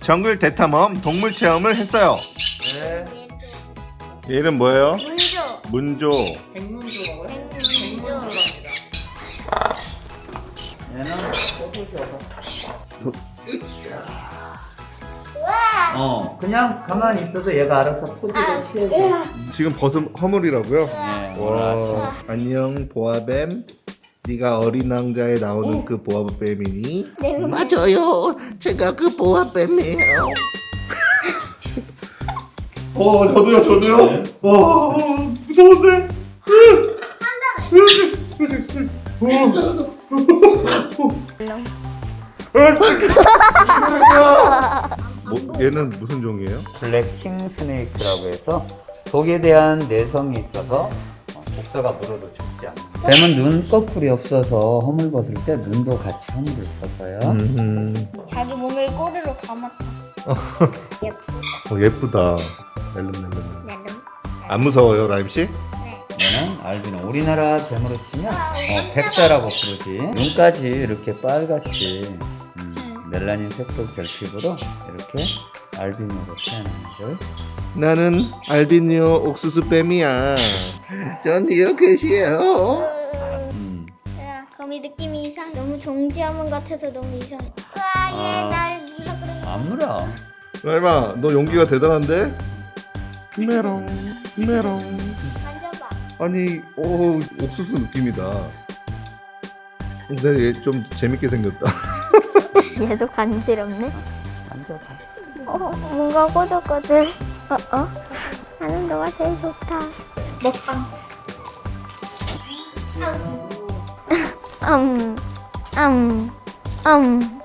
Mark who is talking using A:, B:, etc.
A: 정글 대탐험 동물 체험을 했어요.
B: 네.
A: 얘는 뭐예요?
C: 문조.
A: 문조.
B: 백문조라고요?
C: 문조.
B: 얘는 꼬부셔서.
C: 우와.
B: 그냥 가만히 있어도 얘가 알아서 포즈를 취해줘.
A: 지금 벗은 허물이라고요?
B: 네.
A: 와. 안녕 보아뱀. 네가 어린 왕자에 나오는 그 보아뱀이니?
D: 맞아요. 제가 그 보아뱀이에요.
A: 저도요. 와, 무서운데. 얘는 무슨 종이에요?
B: 블랙킹 스네이크라고 해서 독에 대한 내성이 있어서 독사가 물어도 죽지 않아. 뱀은 눈꺼풀이 없어서 허물 벗을 때 눈도 같이 허물을 벗어요.
C: 자기 몸을 꼬리로 감았다. 예쁘다.
A: 예쁘다. 멜름멜름.
C: 나름.
A: 안 무서워요, 라임 씨?
C: 네.
B: 얘는 알비노. 우리나라 뱀으로 치면 백사라고 부르지. 눈까지 이렇게 빨갛지. 멜라닌 색소 결핍으로 이렇게 알비노로 태어나는 걸.
A: 나는 알비니오 옥수수 뱀이야.
D: 전 이렇게시에요.
C: 야, 거미 느낌이 이상. 너무 정지화문 같아서 너무 이상해. 우와, 얘날 물어 그래.
B: 안 물어.
A: 라임아, 너 용기가 대단한데? 메롱.
C: 만져봐.
A: 아니, 옥수수 느낌이다. 근데 얘 좀 재밌게 생겼다.
C: 얘도 간지럽네.
B: 만져봐.
C: 뭔가 꼬들꼬들. 나는 너가 제일 좋다. 먹방. 음.